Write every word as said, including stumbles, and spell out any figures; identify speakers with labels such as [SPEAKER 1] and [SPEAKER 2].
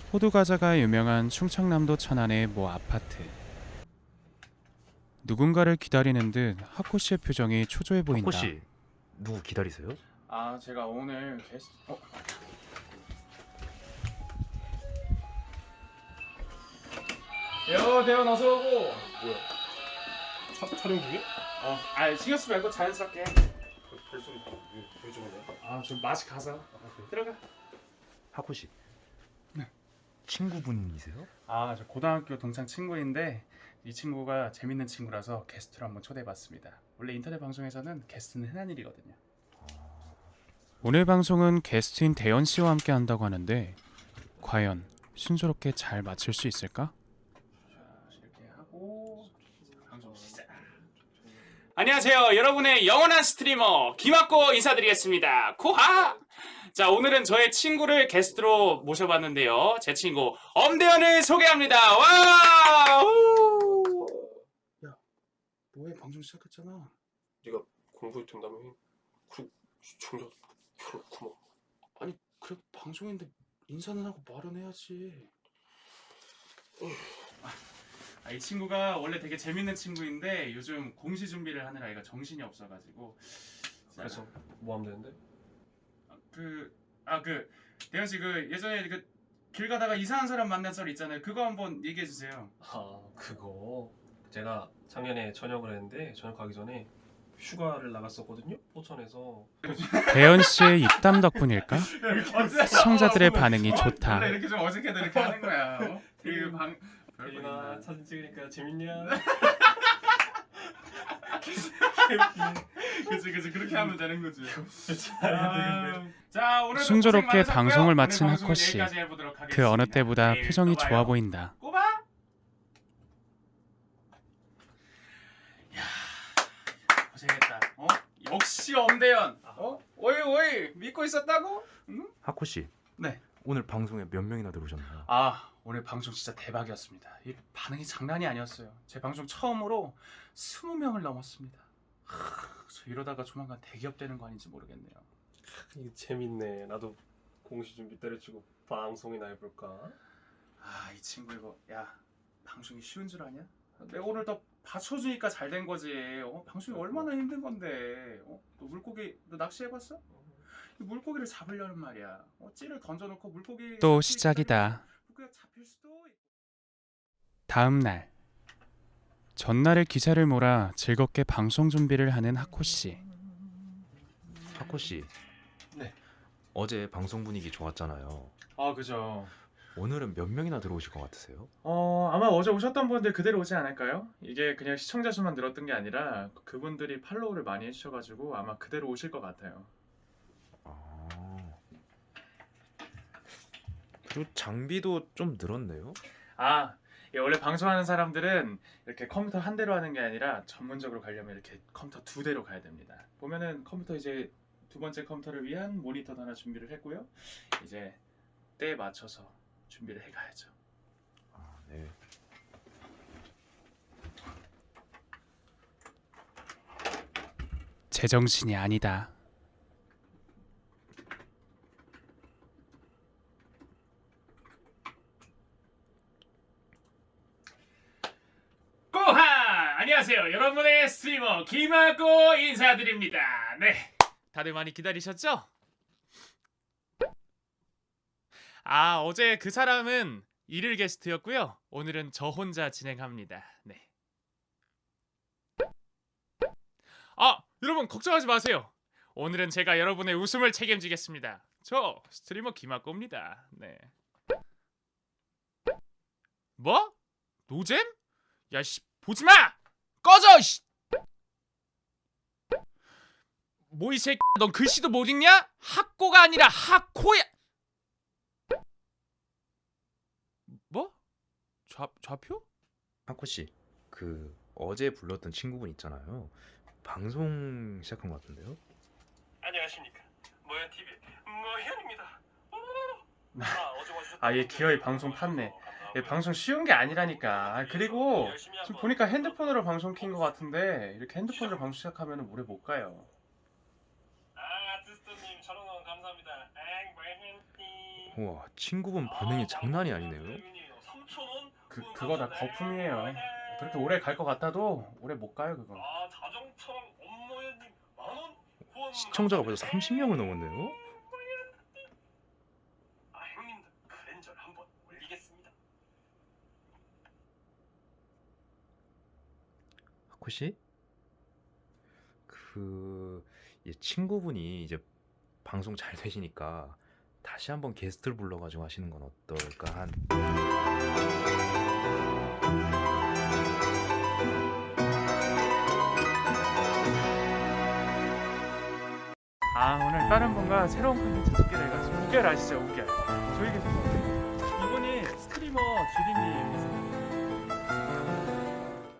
[SPEAKER 1] 호두 과자가 유명한 충청남도 천안의 모 아파트. 누군가를 기다리는 듯 하코 씨의 표정이 초조해 보인다.
[SPEAKER 2] 하코 씨, 누구 기다리세요?
[SPEAKER 1] 아, 제가 오늘 게스트. 어? 여 대원 어서 오고.
[SPEAKER 3] 뭐야? 차, 촬영 중에?
[SPEAKER 1] 어, 아 신경 쓰지 말고 자연스럽게.
[SPEAKER 3] 그 별소리 왜, 왜 저러냐?
[SPEAKER 1] 아, 좀 맛이 가서. 들어가.
[SPEAKER 2] 하코 씨.
[SPEAKER 1] 네.
[SPEAKER 2] 친구분이세요?
[SPEAKER 1] 아, 저 고등학교 동창 친구인데 이 친구가 재밌는 친구라서 게스트로 한번 초대해봤습니다. 원래 인터넷 방송에서는 게스트는 흔한 일이거든요. 오늘 방송은 게스트인 대현 씨와 함께 한다고 하는데 과연 순조롭게 잘 마칠 수 있을까? 자, 이렇게 하고 방송 시작. 안녕하세요, 여러분의 영원한 스트리머 김학고 인사드리겠습니다. 코하. 자, 오늘은 저의 친구를 게스트로 모셔봤는데요. 제 친구 엄대현을 소개합니다. 와! 우! 야, 뭐해? 방송 시작했잖아.
[SPEAKER 3] 네가 공부해도 된다며? 그 시청자 별로 없구만.
[SPEAKER 1] 아니, 그래 방송인데 인사는 하고 말은 해야지. 아, 이 친구가 원래 되게 재밌는 친구인데 요즘 공시 준비를 하느라 얘가 정신이 없어가지고. 자,
[SPEAKER 3] 그래서 뭐 하면 되는데?
[SPEAKER 1] 그, 아, 그 대현 씨, 그 예전에 그 길 가다가 이상한 사람 만난 썰 있잖아요. 그거 한번 얘기해 주세요.
[SPEAKER 3] 아 그거 제가 작년에 전역을 했는데 전역 가기 전에 휴가를 나갔었거든요. 포천에서.
[SPEAKER 1] 대현 씨의 입담 덕분일까? 시청자들의 반응이 좋다. 원래 이렇게 좀 어색해도 이렇게 하는 거야. 어? 되게 방
[SPEAKER 3] 대인아 사진 찍으니까 재밌냐?
[SPEAKER 1] 그치 그치, 그렇게 하면 되는 거지.
[SPEAKER 3] 아,
[SPEAKER 1] 자, 오늘 순조롭게 방송을 마친 하코 씨. 그 어느 때보다 표정이 좋아 보인다. 꼬바. 야, 고생했다. 어? 역시 엄대현. 어? 오이 오이 믿고 있었다고? 응?
[SPEAKER 2] 하코 씨.
[SPEAKER 1] 네.
[SPEAKER 2] 오늘 방송에 몇 명이나 들어오셨나요?
[SPEAKER 1] 아, 오늘 방송 진짜 대박이었습니다. 이 반응이 장난이 아니었어요. 제 방송 처음으로 스무 명을 넘었습니다. 하, 저 이러다가 조만간 대기업 되는 거 아닌지 모르겠네요.
[SPEAKER 3] 이게 재밌네. 나도 공시 준비 때려치고 방송이나 해볼까?
[SPEAKER 1] 아, 이 친구 이거, 야, 방송이 쉬운 줄 아냐? 내가 오늘 더 받쳐주니까 잘 된 거지. 어? 방송이 얼마나 힘든 건데. 어? 너 물고기, 너 낚시해봤어? 이 물고기를 잡으려는 말이야. 어? 찌를 던져놓고 물고기. 또 시작이다. 물고기가 잡힐 수도 있고. 다음 날. 전날의 기사를 몰아 즐겁게 방송 준비를 하는 하코 씨.
[SPEAKER 2] 하코 씨.
[SPEAKER 1] 네.
[SPEAKER 2] 어제 방송 분위기 좋았잖아요.
[SPEAKER 1] 아, 그죠.
[SPEAKER 2] 오늘은 몇 명이나 들어오실 것 같으세요?
[SPEAKER 1] 어, 아마 어제 오셨던 분들 그대로 오지 않을까요? 이게 그냥 시청자 수만 늘었던 게 아니라 그분들이 팔로우를 많이 해주셔가지고 아마 그대로 오실 것 같아요.
[SPEAKER 2] 아. 그리고 장비도 좀 늘었네요.
[SPEAKER 1] 아, 예, 원래 방송하는 사람들은 이렇게 컴퓨터 한 대로 하는 게 아니라 전문적으로 가려면 이렇게 컴퓨터 두 대로 가야 됩니다. 보면은 컴퓨터 이제 두 번째 컴퓨터를 위한 모니터도 하나 준비를 했고요. 이제 때에 맞춰서 준비를 해가야죠.
[SPEAKER 2] 아, 네.
[SPEAKER 1] 제정신이 아니다. 꼬하! 안녕하세요. 여러분의 스트리머 김학고 인사드립니다. 네, 다들 많이 기다리셨죠? 아, 어제 그 사람은 일일 게스트였고요. 오늘은 저 혼자 진행합니다. 네. 아, 여러분 걱정하지 마세요. 오늘은 제가 여러분의 웃음을 책임지겠습니다. 저 스트리머 김학고입니다. 네. 뭐? 노잼? 야, 씨, 보지 마! 꺼져, 씨! 뭐 이 새끼, 넌 글씨도 못 읽냐? 학고가 아니라 학코야. 뭐? 좌 좌표?
[SPEAKER 2] 하코 씨. 그 어제 불렀던 친구분 있잖아요. 방송 시작한 것 같은데요?
[SPEAKER 3] 안녕하십니까. 모현 티비 모현입니다.
[SPEAKER 1] 아, 얘 기어이 방송 팠네. 얘 방송 쉬운 게 아니라니까. 아, 그리고 지금 보니까 핸드폰으로 방송 킨 것 같은데 이렇게 핸드폰으로 방송 시작하면 오래 못 가요.
[SPEAKER 3] 아, 아티스트님 천원 감사합니다. 엥, 모현티.
[SPEAKER 2] 우와, 친구분 반응이 장난이 아니네요.
[SPEAKER 1] 그 그거 다 거품이에요. 그렇게 오래 갈 것 같아도 오래 못 가요 그거.
[SPEAKER 3] 아, 자동차랑 업무연님 만원 후원
[SPEAKER 2] 시청자가 벌써 삼십 명을 넘었네요.
[SPEAKER 3] 아, 형님들 그랜저 한번 올리겠습니다.
[SPEAKER 2] 하쿠 씨? 그 이 친구분이 이제 방송 잘 되시니까 다시 한번 게스트를 불러가지고 하시는 건 어떨까 한.
[SPEAKER 1] 아 오늘 다른 분과 새로운 콘텐츠 찍기로 해가지고 우결 아시죠 우결? 저희 계속 이분이 스트리머 주디님이세요.